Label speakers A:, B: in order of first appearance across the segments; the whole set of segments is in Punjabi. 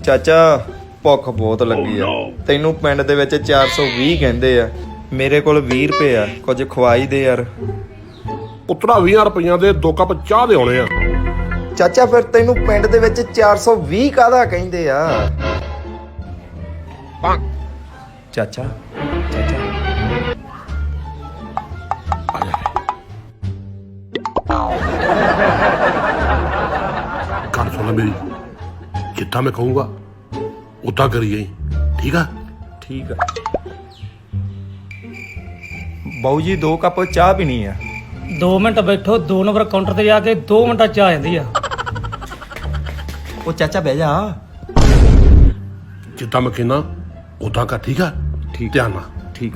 A: ਚਾਚਾ ਭੁੱਖ ਬਹੁਤ ਲੱਗੀ ਆ। ਤੈਨੂੰ ਪਿੰਡ ਦੇ ਵਿੱਚ 420 ਕਹਿੰਦੇ ਆ, ਮੇਰੇ ਕੋਲ 20 ਰੁਪਏ ਆ, ਕੁਝ ਖਵਾਈ ਦੇ ਯਾਰ।
B: ਪੁੱਤਰਾ 20 ਰੁਪਈਆਂ ਦੇ 2 ਕੱਪ ਚਾਹ ਦੇ ਆਉਣੇ ਆ।
A: ਚਾਚਾ ਫਿਰ ਤੈਨੂੰ ਪਿੰਡ ਦੇ ਵਿੱਚ 420 ਕਾਹਦਾ ਕਹਿੰਦੇ ਆ? ਚਾਚਾ ਚਾਚਾ
B: ਗੱਲ ਸੁਣ ਲੈ ਮੇਰੀ, ਜਿੱਦਾਂ ਮੈਂ ਕਹੂੰਗਾ ਉਦਾਂ ਕਰੀ ਜਾਈ, ਠੀਕ ਆ?
A: ਠੀਕ ਆ ਬਾਊ ਜੀ, 2 ਕੱਪ ਚਾਹ ਪੀਣੀ ਆ।
C: 2 ਮਿੰਟ ਬੈਠੋ, 2 ਨੰਬਰ ਕਾਊਂਟਰ ਤੇ ਜਾ ਕੇ 2 ਮਿੰਟਾਂ ਚ ਆ ਜਾਂਦੀ ਆ।
A: ਉਹ ਚਾਚਾ ਬਹਿ ਜਾ।
B: ਜਿੱਦਾਂ ਮੈਂ ਕਹਿੰਦਾ ਉਦਾਂ ਕਰ, ਠੀਕ ਆ?
A: ਠੀਕ।
B: ਧਿਆਨ ਨਾਲ।
A: ਠੀਕ।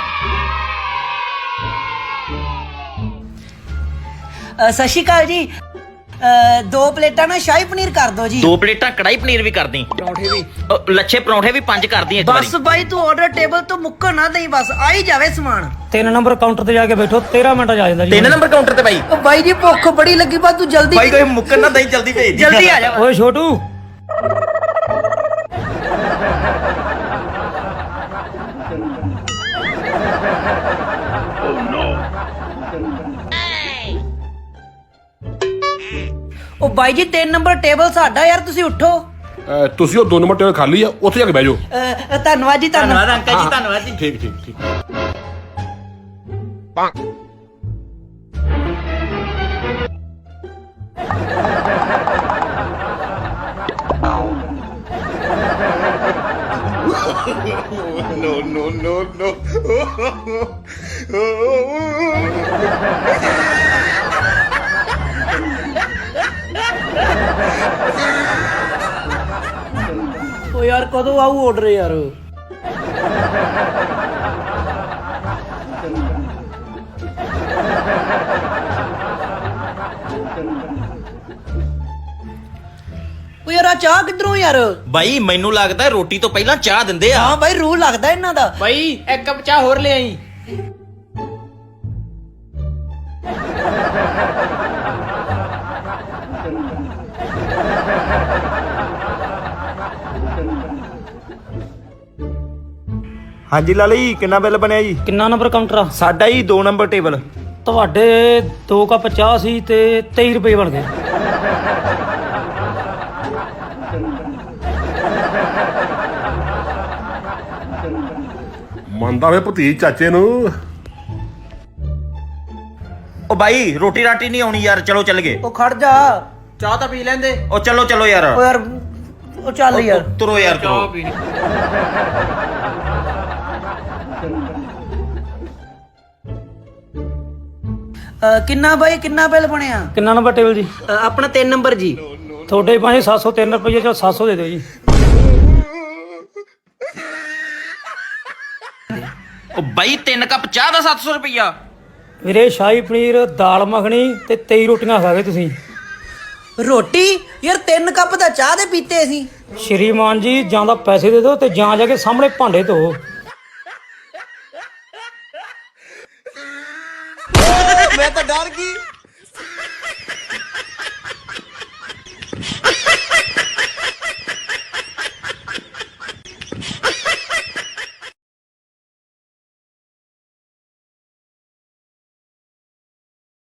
D: ਸਤਿ ਸ਼੍ਰੀ ਅਕਾਲ ਜੀ। 2 ਪਲੇਟਾਂ ਨਾ ਸ਼ਾਹੀ ਪਨੀਰ ਕਰ ਦਿਓ ਜੀ।
E: 2 ਪਲੇਟਾਂ ਕੜਾਈ ਪਨੀਰ ਵੀ ਕਰਦੀ,
D: ਪਰੌਂਠੇ ਵੀ।
E: ਲੱਛੇ ਪਰੌਂਠੇ ਵੀ 5 ਕਰਦੀ ਇੱਕ ਵਾਰੀ।
D: ਬਸ ਬਾਈ ਤੂੰ ਆਰਡਰ ਟੇਬਲ ਤੋਂ ਮੁੱਕਰ ਨਾ ਦੇਈ, ਬਸ ਆ ਹੀ ਜਾਵੇ ਸਮਾਨ।
C: 3 ਨੰਬਰ ਕਾਊਂਟਰ ਤੇ ਜਾ ਕੇ ਬੈਠੋ, 13 ਮਿੰਟਾਂ ਚ ਆ ਜਾਂਦਾ ਜੀ।
E: 3 ਨੰਬਰ ਕਾਊਂਟਰ ਤੇ ਬਾਈ।
D: ਉਹ ਬਾਈ ਜੀ ਭੁੱਖ ਬੜੀ ਲੱਗੀ, ਬਸ ਤੂੰ ਜਲਦੀ
E: ਬਾਈ ਕੋਈ ਮੁੱਕਰ ਨਾ ਦਈ, ਜਲਦੀ ਭੇਜ ਦੀ।
D: ਜਲਦੀ ਆ ਜਾ।
C: ਓਏ ਛੋਟੂ,
D: ਉਹ ਬਾਈ ਜੀ 3 ਨੰਬਰ ਟੇਬਲ ਸਾਡਾ ਯਾਰ, ਤੁਸੀਂ ਉੱਠੋ।
B: ਤੁਸੀਂ ਉਹ 2 ਨੰਬਰ ਟੇਬਲ ਖਾਲੀ ਆ, ਉੱਥੇ ਜਾ ਕੇ ਬਹਿ ਜਾਓ।
D: ਧੰਨਵਾਦ ਜੀ,
E: ਧੰਨਵਾਦ ਅੰਕਲ ਜੀ, ਧੰਨਵਾਦ ਜੀ।
B: ਠੀਕ ਠੀਕ ਠੀਕ।
D: ਉਹ ਯਾਰ ਕਦੋਂ ਆਊ ਆਰਡਰ ਯਾਰ? ਉਹ ਯਾਰ ਆ ਚਾਹ ਕਿੱਧਰੋਂ ਯਾਰ?
E: ਬਾਈ ਮੈਨੂੰ ਲੱਗਦਾ ਰੋਟੀ ਤੋਂ ਪਹਿਲਾਂ ਚਾਹ ਦਿੰਦੇ ਆ।
D: ਹਾਂ ਬਾਈ ਰੂਲ ਲੱਗਦਾ ਇਹਨਾਂ ਦਾ।
F: ਬਾਈ 1 ਕੱਪ ਚਾਹ ਹੋਰ ਲੈ ਆਈ।
A: ਹਾਂਜੀ ਲਾਲਾ ਜੀ, ਕਿੰਨਾ ਬਿੱਲ ਬਣਿਆ ਜੀ?
C: ਕਿੰਨਾ ਨੰਬਰ ਕਾਊਂਟਰ ਆ?
A: ਸਾਡਾ ਹੀ 2 ਨੰਬਰ ਟੇਬਲ।
C: ਤੁਹਾਡੇ 2 ਕੱਪ ਚਾਹ ਸੀ ਤੇ 23 ਰੁਪਏ ਬਣ ਗਏ।
B: ਮੰਨਦਾ ਵੇ ਭਤੀਜ ਚਾਚੇ ਨੂੰ।
E: ਉਹ ਬਾਈ ਰੋਟੀ ਰਾਟੀ ਨਹੀਂ ਆਉਣੀ ਯਾਰ, ਚਲੋ ਚੱਲ ਗਏ।
D: ਉਹ ਖੜ ਜਾ।
F: ਚਾਹ ਤਾਂ ਪੀ ਲੈਂਦੇ।
E: ਉਹ ਚਲੋ ਚਲੋ ਯਾਰ।
D: ਉਹ ਯਾਰ ਉਹ ਚੱਲ ਯਾਰ।
E: ਤੁਰੋ ਯਾਰ
F: ਚਾਹ
E: ਤੁਰੋ।
F: ਪੀਣੀ।
D: ਕਿੰਨਾ ਬਾਈ, ਕਿੰਨਾ ਬਿੱਲ ਬਣਿਆ?
C: ਕਿੰਨਾ ਨੰਬਰ ਟੇਬਲ ਜੀ?
D: ਆਪਣਾ 3 ਨੰਬਰ ਜੀ।
C: ਤੁਹਾਡੇ ਪਾਸੇ 703 ਰੁਪਏ, ਚੋ 700 ਦੇ ਦਿਓ ਜੀ।
E: ਉਹ ਬਾਈ 3 ਕੱਪ ਚਾਹ ਦਾ 700 ਰੁਪਈਆ।
C: ਵੀਰੇ ਸ਼ਾਹੀ ਪਨੀਰ, ਦਾਲ ਮੱਖਣੀ ਤੇ 23 ਰੋਟੀਆਂ ਖਾ ਗਏ ਤੁਸੀਂ।
D: ਰੋਟੀ ਯਾਰ 3 ਕੱਪ ਤਾਂ ਚਾਹ ਦੇ ਪੀਤੇ ਸੀ।
C: ਸ਼੍ਰੀਮਾਨ ਜੀ, ਜਾਂ ਤਾਂ ਪੈਸੇ ਦੇ ਦਿਓ ਤੇ ਜਾਂ ਜਾ ਕੇ ਸਾਹਮਣੇ ਭਾਂਡੇ ਧੋ।
A: ਮੈਂ ਤਾਂ ਡਰ ਗਈ।